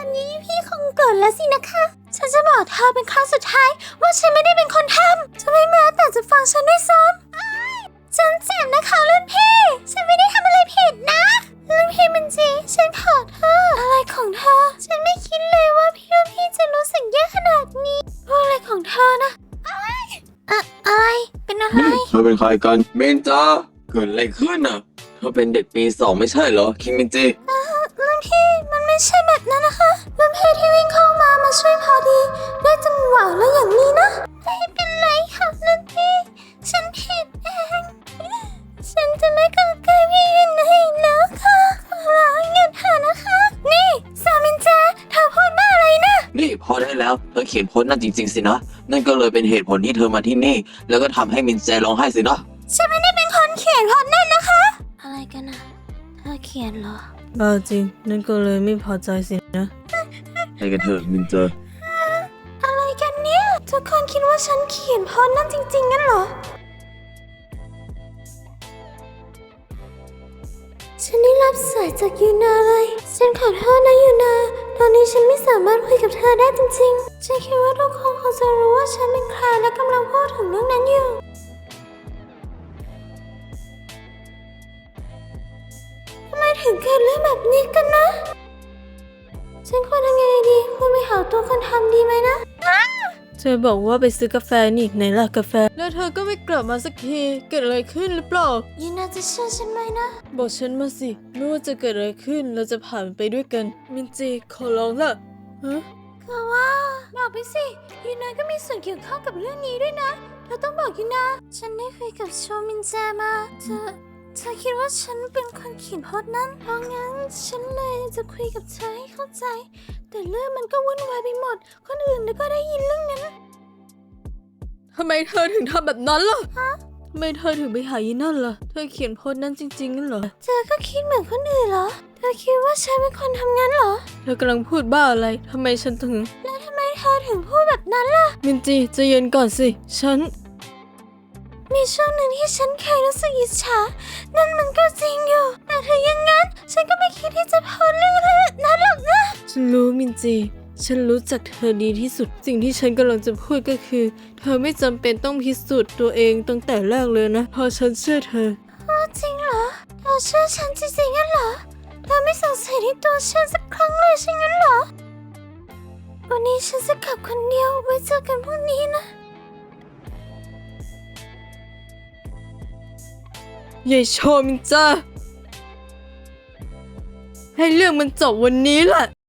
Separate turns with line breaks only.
อนนี้พี่คงโกรธแล้วสินะคะ ฉันจะบอกเธอเป็นครั้งสุดท้ายว่าฉันไม่ได้เป็นคนทำจะไม่แม้แต่จะฟังฉันด้วยซ้ำฉันเจ็บนะคะรุ่นพี่ฉันไม่ได้ทำอะไรผิดนะรุ่นพี่มันจีฉันขอโทษอะไรของเธอฉันไม่คิดเลยว่าพี่จะรู้สึกแย่ขนาดนี้พูดอะไรของเธอนะอะไรเป็นอะไร
เธอเป็นใครกันเมนจ้าเกิดอะไรขึ้นอ่ะเธอเป็นเด็กปี2ไม่ใช่เหรอคิมมินจิ
รุ่นพี่มันไม่ใช่แบบนั้นนะคะรุ่นพี่ที่วิ่งเข้ามาช่วยพอดีได้จังหวะแล้วอย่างนี้นะไม่เป็นไรค่ะรุ่นพี่ฉันผิดเองฉันจะไม่เข้าใกล้พี่ยินอีกแล้วค่ะขอร้องหยุดเถอะนะคะนี่ซามินจาเธอพูดบ้าอะไรนะ
นี่พอได้แล้วเธอเขียนโพสต์นั่นจริงๆสินะนั่นก็เลยเป็นเหตุผลที่เธอมาที่นี่แล้วก็ทำให้มินแจร้องไห้สินะ
ฉันไม่ได้เป็นคนเขียนโพสต์นั่นนะคะอะไรกันอะเธอเขียนเหรอ
บ้าจริงนั่นก็เลยไม่พอใจสินะ
ไปกันเถอะมินเจอ
อะไรกันเนี่ยทุกคนคิดว่าฉันเขียนโพสต์นั่นจริงๆงั้นเหรอฉันได้รับสายจากยูนาเลยฉันขอโทษนะยูนาตอนนี้ฉันไม่สามารถคุยกับเธอได้จริงๆฉันคิดว่าทุกคนคงจะรู้ว่าฉันเป็นใครและกำลังพูดถึงเรื่องนั้นอยู่ทำไมถึงเกิดเรื่องแบบนี้กันนะฉันควรทำยังไงดีควรไปหาตัวคนทำดีไหมนะ
เธอบอกว่าไปซื้อกาแฟนี่ไหนล่ะกาแฟแล้วเธอก็ไม่กลับมาสักทีเกิดอะไรขึ้นหรือเปล่า
ยูนาจะเชื่อฉันไหมนะ
บอกฉันมาสิไม่ว่าจะเกิดอะไรขึ้นเราจะผ่านไปด้วยกันมินจีขอร้องละฮะ
คือว่าบอกไปสิยูนาก็มีส่วนเกี่ยวข้องกับเรื่องนี้ด้วยนะเธอต้องบอกยูนาฉันได้คุยกับโชมินแจมาเธอคิดว่าฉันเป็นคนเขียนโพสต์นั้นเพราะงั้นฉันเลยจะคุยกับเธอให้เข้าใจแต่เรื่องมันก็วุ่นวายไปหมดคนอื่นก็ได้ยินเรื่องนั้น
ทำไมเธอถึงทำแบบนั้นล่ะทำไมเธอถึงไปหายีนั่นล่ะเธอเขียนโพสต์นั้นจริงๆงั้นเหรอ
เธอก็คิดเหมือนคนอื่นเหรอเธอคิดว่าฉันเป็นคนทำงั้นเหรอ
เธอกำลังพูดบ้าอะไรทำไมฉันถึง
แล้วทำไมเธอถึงพูดแบบนั้นล่ะ
มินจีใจเย็นก่อนสิฉัน
มีช่วงหนึ่งที่ฉันเคยรู้สึกอิจฉานั่นมันก็จริงอยู่แต่ถึงอย่างนั้นฉันก็ไม่คิดที่จะโพสต์เรื่องนั้นหรอกนะ
ฉันรู้มินจีฉันรู้จักเธอดีที่สุดสิ่งที่ฉันกำลังจะพูดก็คือ เธอไม่จำเป็นต้องพิสูจน์ตัวเองตั้งแต่แรกเลยนะเพราะฉันเชื่อเธอ
จริงเหรอเธอเชื่อฉันจริงๆงั้นเหรอเธอไม่สงสัยในตัวฉันสักครั้งเลยใช่งั้นเหรอวันนี้ฉันจะกลับคนเดียวไว้เจอกันพรุ่งนี้นะ
ยายโชมินจ้าให้เรื่องมันจบวันนี้แหละ